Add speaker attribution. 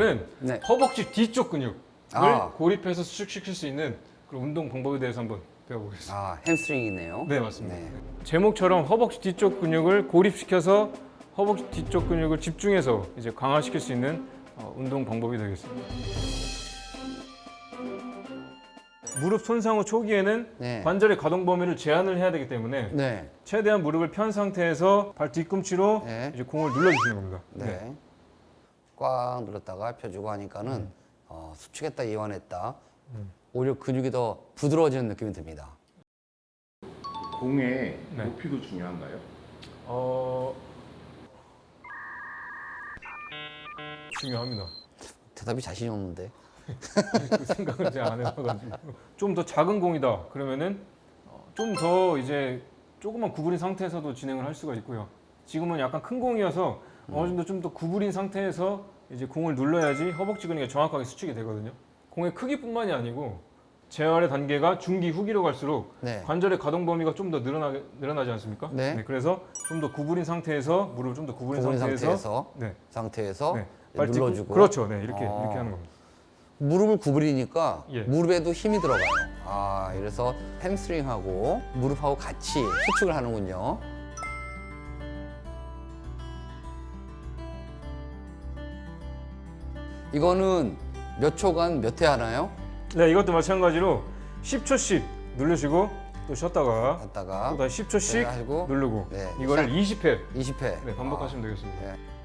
Speaker 1: 오늘은
Speaker 2: 네.
Speaker 1: 허벅지 뒤쪽 근육을
Speaker 2: 아.
Speaker 1: 고립해서 수축시킬 수 있는 그런 운동 방법에 대해서 한번 배워보겠습니다.
Speaker 2: 아, 햄스트링이네요.
Speaker 1: 네, 맞습니다.
Speaker 2: 네.
Speaker 1: 제목처럼 허벅지 뒤쪽 근육을 고립시켜서 허벅지 뒤쪽 근육을 집중해서 이제 강화시킬 수 있는 운동 방법이 되겠습니다. 무릎 손상 후 초기에는
Speaker 2: 네.
Speaker 1: 관절의 가동 범위를 제한을 해야 되기 때문에
Speaker 2: 네.
Speaker 1: 최대한 무릎을 편 상태에서 발 뒤꿈치로
Speaker 2: 네.
Speaker 1: 이제 공을 눌러주시는 겁니다.
Speaker 2: 네. 꽉 눌렀다가 펴주고 하니까는 수축했다 이완했다. 오히려 근육이 더 부드러워지는 느낌이 듭니다.
Speaker 3: 공의
Speaker 1: 네.
Speaker 3: 높이도 중요한가요?
Speaker 1: 중요합니다.
Speaker 2: 대답이 자신이 없는데.
Speaker 1: 그 생각을 제가 안 해봐가지고 좀 더 작은 공이다 그러면은 좀 더 이제 조금만 구부린 상태에서도 진행을 할 수가 있고요. 지금은 약간 큰 공이어서 어느 정도 좀 더 구부린 상태에서 이제 공을 눌러야지 허벅지 근육이 정확하게 수축이 되거든요. 공의 크기뿐만이 아니고 재활의 단계가 중기 후기로 갈수록
Speaker 2: 네.
Speaker 1: 관절의 가동 범위가 좀 더 늘어나지 않습니까?
Speaker 2: 네.
Speaker 1: 그래서 좀 더 구부린 상태에서 무릎을 좀 더 구부린 상태에서 네.
Speaker 2: 상태에서
Speaker 1: 네. 발 뒤꿈-
Speaker 2: 눌러주고.
Speaker 1: 그렇죠. 네. 이렇게
Speaker 2: 아.
Speaker 1: 하는 겁니다.
Speaker 2: 무릎을 구부리니까
Speaker 1: 예.
Speaker 2: 무릎에도 힘이 들어가요. 아, 이래서 햄스트링하고 무릎하고 같이 수축을 하는군요. 이거는 몇 초간 몇 회 하나요?
Speaker 1: 네, 이것도 마찬가지로 10초씩 누르시고 또 쉬었다가
Speaker 2: 갔다가
Speaker 1: 또 다시 10초씩
Speaker 2: 네, 하고
Speaker 1: 누르고
Speaker 2: 네,
Speaker 1: 이거를
Speaker 2: 시작.
Speaker 1: 20회
Speaker 2: 20회.
Speaker 1: 반복하시면 되겠습니다.
Speaker 2: 네.